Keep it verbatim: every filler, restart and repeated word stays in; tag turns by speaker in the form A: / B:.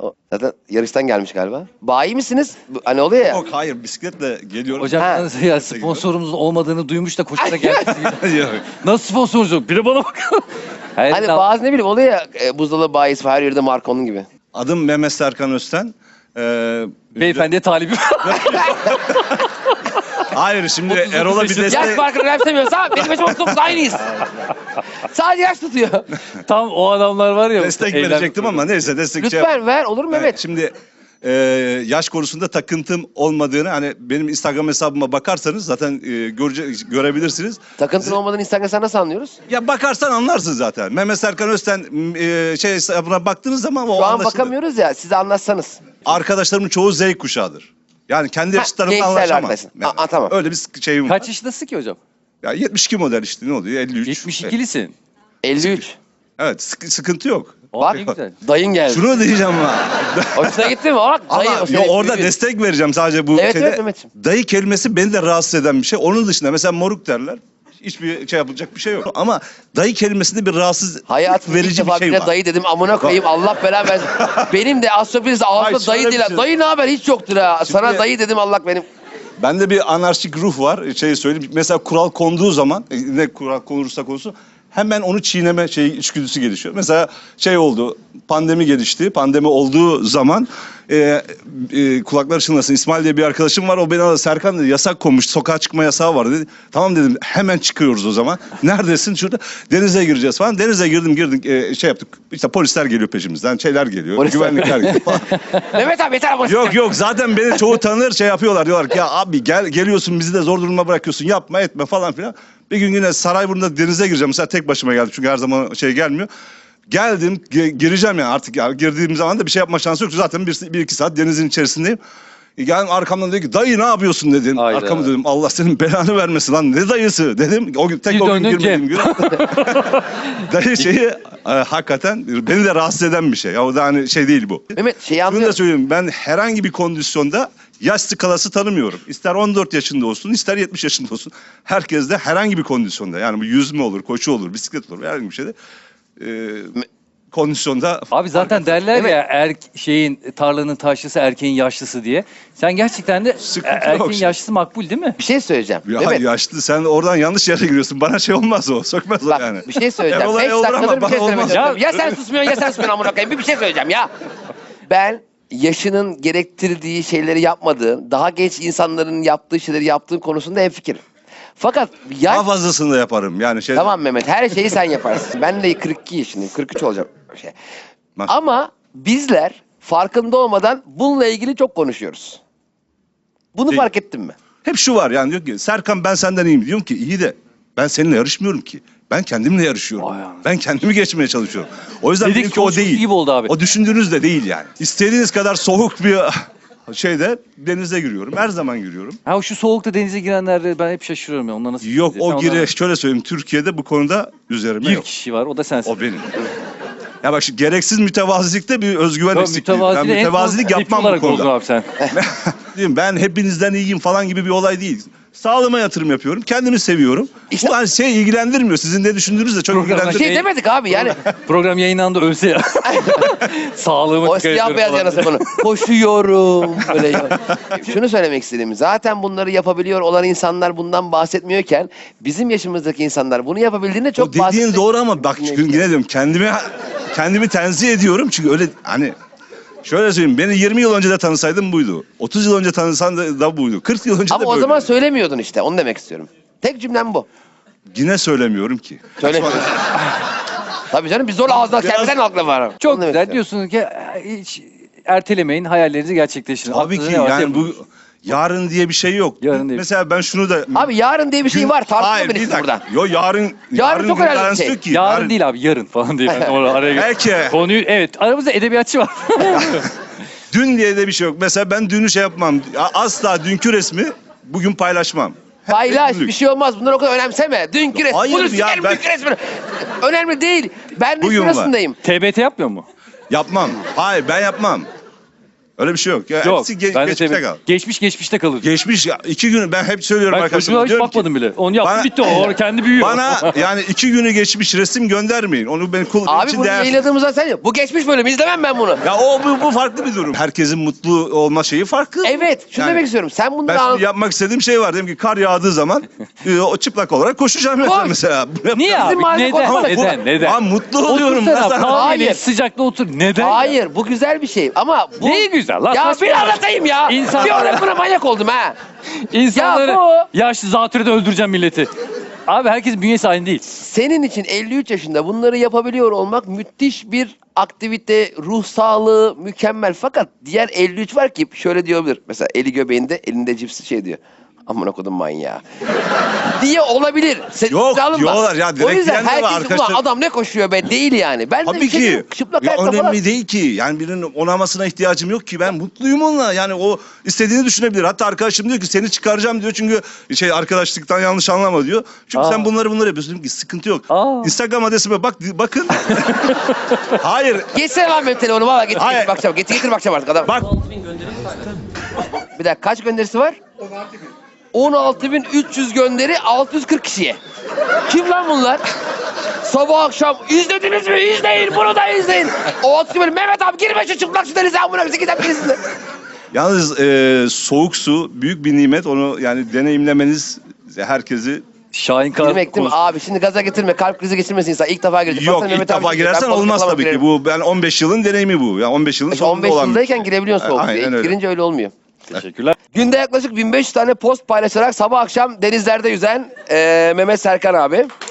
A: O zaten yarıştan gelmiş galiba. Bayi misiniz? Bu- Hani oluyor ya.
B: Yok hayır bisikletle geliyorum.
C: Hocam
A: Ha.
C: yalnız ya sponsorumuzun olmadığını duymuş da koşuna geldi.
B: Yok.
C: Nasıl sponsorumuz yok? Biri bana bak. Hayır,
A: Hani
C: tamam.
A: bazı ne bileyim oluyor ya e, buzdolabı bayisi var, her yerde marka onun gibi.
B: Adım Mehmet Serkan Özten. Ee,
C: Beyefendiye talibim.
B: Hayır şimdi
C: otuz
B: Erol'a bir
C: yaşında.
A: Yaş
B: destek...
A: farkını önemsemiyorsa benim yaşım otuz dokuz aynıyız. Sadece yaş tutuyor.
C: Tam o adamlar var ya.
B: Destek
C: eylem-
B: verecektim ama neyse destek şey
A: Lütfen ver olur mu
B: Evet,
A: Mehmet?
B: Şimdi e, yaş konusunda takıntım olmadığını hani benim Instagram hesabıma bakarsanız zaten e, görece, görebilirsiniz.
A: Takıntın olmadan Instagram'da nasıl anlıyoruz?
B: Ya bakarsan anlarsın zaten. Mehmet Serkan Özten e, şey hesabına baktığınız zaman o
A: Şu an
B: anlaşılır.
A: bakamıyoruz ya, size anlatsanız.
B: Arkadaşlarımın çoğu Z kuşağıdır. Yani kendi
A: Ha,
B: yaşıtlarımla
A: gençlerle
B: anlaşamam.
A: arkadaşın.
B: Yani
A: Aa, tamam.
B: Öyle bir şeyim var.
C: Kaç yaşındasın ki hocam?
B: Ya yetmiş iki model işte ne oluyor? elli üç.
C: yetmiş ikilisin.
A: elli üç.
B: Evet sık- sıkıntı yok.
C: Bak
A: Bak.
C: ne güzel.
A: Dayın geldi.
B: Şunu diyeceğim ama.
A: Hoşuna gitti mi? Bak
B: Ama
A: dayı. o
B: yo,
A: seni
B: orada
A: büyüdü.
B: destek vereceğim sadece bu
A: Evet,
B: şeyde.
A: evet Mehmetciğim.
B: Dayı kelimesi beni de rahatsız eden bir şey. Onun dışında mesela moruk derler. Hiçbir şey yapılacak bir şey yok. Ama dayı kelimesinde bir rahatsız
A: Hayatımda ilk
B: verici bir
A: defa
B: şey
A: bile
B: var.
A: dayı dedim, amına koyayım Allah belanı versin. Benim de Astrofiliz
B: Hayır,
A: ağzımda dayı
B: şöyle
A: değil.
B: bir
A: ha.
B: şey-
A: Dayı ne haber hiç yoktur ha. Sana
B: Şimdi-
A: dayı dedim, Allah benim.
B: Bende bir anarşik ruh var. Şey söyleyeyim. Mesela kural konduğu zaman e, ne kural konursa konsun hemen onu çiğneme şey içgüdüsü gelişiyor. Mesela şey oldu. Pandemi gelişti. Pandemi olduğu zaman e, e, kulaklar çınlasın. İsmail diye bir arkadaşım var. O beni aradı. Serkan dedi yasak konmuş. Sokağa çıkma yasağı var dedi. Tamam dedim. Hemen çıkıyoruz o zaman. Neredesin? Şurada. Denize gireceğiz falan. Denize girdim girdik. E, şey yaptık. İşte polisler geliyor peşimizden. Şeyler geliyor.
A: Polisler.
B: Güvenlikler geliyor falan.
A: Mehmet abi yeter ama.
B: Yok yok zaten beni çoğu tanır şey yapıyorlar diyorlar ki ya abi gel geliyorsun bizi de zor duruma bırakıyorsun yapma etme falan filan. Bir gün yine Sarayburnu'nda denize gireceğim mesela tek başıma geldim çünkü her zaman şey gelmiyor. Geldim ge- gireceğim yani artık ya girdiğim zaman da bir şey yapma şansı yok zaten bir, bir iki saat denizin içerisindeyim. E, Geldim arkamdan dedi ki dayı ne yapıyorsun dedin.
C: Hayda.
B: Arkamı dedim Allah senin belanı vermesin lan ne dayısı dedim. O gün tek
C: Bir
B: o gün
C: döndün
B: girmediğim gün. Dayı şeyi e, hakikaten beni de rahatsız eden bir şey. Ya o da hani şey değil bu.
A: Mehmet şeyi
B: Şunu da
A: anlıyorum.
B: söyleyeyim ben herhangi bir kondisyonda yaş skalası tanımıyorum. İster on dört yaşında olsun ister yetmiş yaşında olsun. Herkes de herhangi bir kondisyonda yani bu yüzme olur, koşu olur, bisiklet olur herhangi bir şeyde e, kondisyonda.
C: Abi zaten derler
A: Evet.
C: ya er, şeyin tarlanın taşlısı erkeğin yaşlısı diye. Sen gerçekten de
B: Sıkıntı
C: er-
B: yok
C: erkeğin
B: şimdi.
C: yaşlısı makbul değil mi?
A: Bir şey söyleyeceğim.
B: Ya
A: Mehmet
B: yaşlı sen oradan yanlış yere giriyorsun. Bana şey olmaz o. Sökmez o
A: bak
B: yani.
A: bir şey söyleyeceğim.
B: Erol'a
A: Beş
B: olur ama
A: dakikadır bir
B: bana
A: şey söylemek
B: olmaz.
A: istiyorum. Ya sen susmuyorsun ya sen susmuyorsun amına koyayım. Bir, bir şey söyleyeceğim ya. Ben yaşının gerektirdiği şeyleri yapmadığım, daha genç insanların yaptığı şeyleri yaptığım konusunda hemfikirim. Fakat yaş...
B: Daha fazlasını da yaparım. Yani şey
A: Tamam Mehmet, her şeyi sen yaparsın. Ben de kırk iki yaşındayım, kırk üç olacağım. Şey.
B: Bak.
A: Ama bizler farkında olmadan bununla ilgili çok konuşuyoruz. Bunu
B: Şey-
A: fark ettin mi?
B: Hep şu var yani diyor ki Serkan ben senden iyiyim. Diyorum ki iyi de ben seninle yarışmıyorum ki. Ben kendimle yarışıyorum.
C: Vay anasını.
B: Ben kendimi geçmeye çalışıyorum. O yüzden
C: Dedik
B: benimki o
C: konuşması
B: değil.
C: gibi oldu abi.
B: O düşündüğünüz de değil yani. İstediğiniz kadar soğuk bir şeyde denize giriyorum. Her zaman giriyorum.
C: Ha şu soğukta denize girenlerde ben hep şaşırıyorum ya. Onlar nasıl
B: Yok
C: gidiyor?
B: o
C: Sen
B: gire
C: onlara-
B: şöyle söyleyeyim Türkiye'de bu konuda üzerime
C: Bir
B: yok.
C: kişi var o da sensin.
B: O benim. Ya bak şu gereksiz mütevazilikte bir özgüven
C: Tabii
B: eksikliği. Ben
C: mütevazilik en
B: mütevazilik
C: son
B: yapmam
C: hep
B: bu
C: olarak oldun
B: konuda.
C: abi sen.
B: Diyeyim, ben hepinizden iyiyim falan gibi bir olay değil. Sağlığıma yatırım yapıyorum. Kendimi seviyorum.
A: İşte-
B: Bu hani şey ilgilendirmiyor. Sizin ne düşündüğünüz de çok
C: Programda
A: Bir
B: ilgilendirmiyor.
A: şey demedik abi yani.
C: Program yayınlandı ölse ya. Sağlığımı
A: O
C: dikkat
A: siyah
C: ediyorum
A: beyaz
C: falan.
A: yanası bunu. Koşuyorum. Böyle ya. Şunu söylemek istediğim. Zaten bunları yapabiliyor olan insanlar bundan bahsetmiyorken bizim yaşımızdaki insanlar bunu yapabildiğinde çok
B: O dediğin
A: bahsetmek-
B: doğru ama bak çünkü yine diyorum kendimi kendimi tenzih ediyorum. Çünkü öyle hani şöyle söyleyeyim beni yirmi yıl önce de tanısaydın buydu. otuz yıl önce tanısan da, da buydu. kırk yıl önce
A: Ama
B: de
A: o
B: böyle.
A: zaman söylemiyordun işte. Onu demek istiyorum. Tek cümlem bu.
B: Yine söylemiyorum ki.
A: Söylemiyorsun. Tabii canım biz zorla ağzından
B: Biraz-
A: kendimden akla var.
C: Çok
A: Onu demek
C: güzel
A: istiyorum.
C: diyorsun ki hiç ertelemeyin hayallerinizi gerçekleştirin.
B: Tabii
C: Aklınızda
B: ki
C: ne varsa
B: yani
C: yapın.
B: bu yarın diye bir şey yok.
C: Yarın diye bir
B: Mesela ben şunu da
A: Abi yarın diye bir şey
B: Gün-
A: var.
B: Hayır,
A: Tartışma
B: bir
A: beni
B: dakika.
A: buradan.
B: Yo yarın
A: Yarın çok
B: bir
A: önemli bir
B: garantisi
A: şey.
B: yok ki.
C: Yarın değil abi yarın falan diye ben oraya araya
B: Belki.
C: Konuyu evet aramızda edebiyatçı var.
B: Dün diye de bir şey yok. Mesela ben dünü şey yapmam. Asla dünkü resmi bugün paylaşmam. Hep
A: Paylaş
B: günlük.
A: bir şey olmaz. Bunları o kadar önemseme. Dünkü resim.
B: Hayır
A: Bunu
B: ya,
A: sikerim
B: ben-
A: dünkü resmini. Önemli değil. Ben de
B: Bugün var.
A: şurasındayım.
C: T B T yapmıyor mu?
B: Yapmam. Hayır ben yapmam. Öyle bir şey yok. Ya,
C: Yok.
B: hepsi ge-
C: Ben de
B: geçmişte
C: tabii-
B: kal.
C: Geçmiş geçmişte kalır.
B: Geçmiş ya, iki gün ben hep söylüyorum
C: Ben
B: arkadaşlarıma.
C: çocuğa hiç
B: diyorum ki,
C: bakmadım bile. Onu yaptı
B: bana-
C: bitti o. O kendi büyüyor.
B: Bana yani iki günü geçmiş resim göndermeyin. Onu ben kul
A: Abi
B: için
A: bunu
B: değer.
A: yayınladığımızda sen yap. Bu geçmiş bölüm izlemem ben bunu.
B: Ya o bu, bu farklı bir durum. Herkesin mutlu olma şeyi farklı.
A: Evet şunu
B: Yani
A: demek istiyorum. Sen bunları
B: Ben
A: an...
B: şimdi yapmak istediğim şey var. Dedim ki kar yağdığı zaman e, o çıplak olarak koşacağım mesela.
A: Koş.
B: mesela. Bunu yapacağım.
C: Niye abi?
A: mahalle
C: Neden?
A: korkmadı.
C: Neden? Neden?
B: Aa, mutlu oluyorum.
C: Otursana
B: Nasıl-
C: kahveyle
A: Hayır.
C: sıcakta otur. Neden?
A: Hayır bu güzel bir şey ama bu...
C: Neyi güzel lan?
A: Ya
C: Saçma
A: bir
C: ya.
A: anlatayım ya.
C: İnsanlar-
A: Bir ara buna manyak oldum ha.
C: İnsanları
A: Ya bu-
C: yaşlı zatürrede öldüreceğim milleti. Abi herkes bünyesi aynı değil.
A: Senin için elli üç yaşında bunları yapabiliyor olmak müthiş bir aktivite, ruh sağlığı mükemmel. Fakat diğer elli üç var ki şöyle diyebilir. Mesela eli göbeğinde, elinde cipsi şey diyor. Amına kodum manyağı. diye olabilir. Sen
B: Yok,
A: ciddiye alınma.
B: diyorlar ya, direkt
A: O yüzden
B: diyen de var
A: herkes
B: arkadaşlar.
A: ulan adam ne koşuyor be değil yani. Ben de
B: Tabii
A: bir şey
B: ki.
A: diyorum, çıplak
B: Ya
A: ayakla
B: önemli
A: falan.
B: değil ki. Yani birinin onamasına ihtiyacım yok ki. Ben mutluyum onunla. Yani o istediğini düşünebilir. Hatta arkadaşım diyor ki seni çıkaracağım diyor. Çünkü şey arkadaşlıktan yanlış anlama diyor. Çünkü
C: Aa.
B: sen bunları bunları yapıyorsun. Dedim ki sıkıntı yok.
C: Aa.
B: Instagram adresime bak bakın. Hayır.
A: Geçsene lan benim telefonu valla getir
B: Hayır.
A: getir bakacağım. Getir getir bakacağım artık adam.
B: Bak
A: Bir dakika kaç gönderisi var? on altı bin üç yüz gönderi altı yüz kırk kişiye. Kim lan bunlar? Sabah akşam izlediniz mi? İzleyin bunu da izleyin. O altı bin Mehmet abi girme şu çıplak su denize amına bizi giden birisinde.
B: yalnız e, soğuk su büyük bir nimet. Onu yani deneyimlemeniz herkesi
C: Şahin Kar
A: Girmek değil mi?
C: konusu-
A: Abi şimdi gaza getirme kalp krizi geçirmesin insan. İlk defa girecek.
B: yok
A: Baksana
B: ilk
A: Mehmet abi
B: defa
A: girecek.
B: girersen
A: Ben
B: olmaz
A: balık
B: tabii ki.
A: girerim.
B: Bu ben on beş yılın deneyimi bu. Yani on beş yılın
A: İşte
B: sonunda
A: on beş
B: olan.
A: yıldayken girebiliyorsun soğuk
B: Aynen
A: suya. İlk
B: öyle.
A: girince öyle olmuyor.
C: Teşekkürler.
A: Günde yaklaşık bin beş yüz tane post paylaşarak sabah akşam denizlerde yüzen eee Mehmet Serkan abi.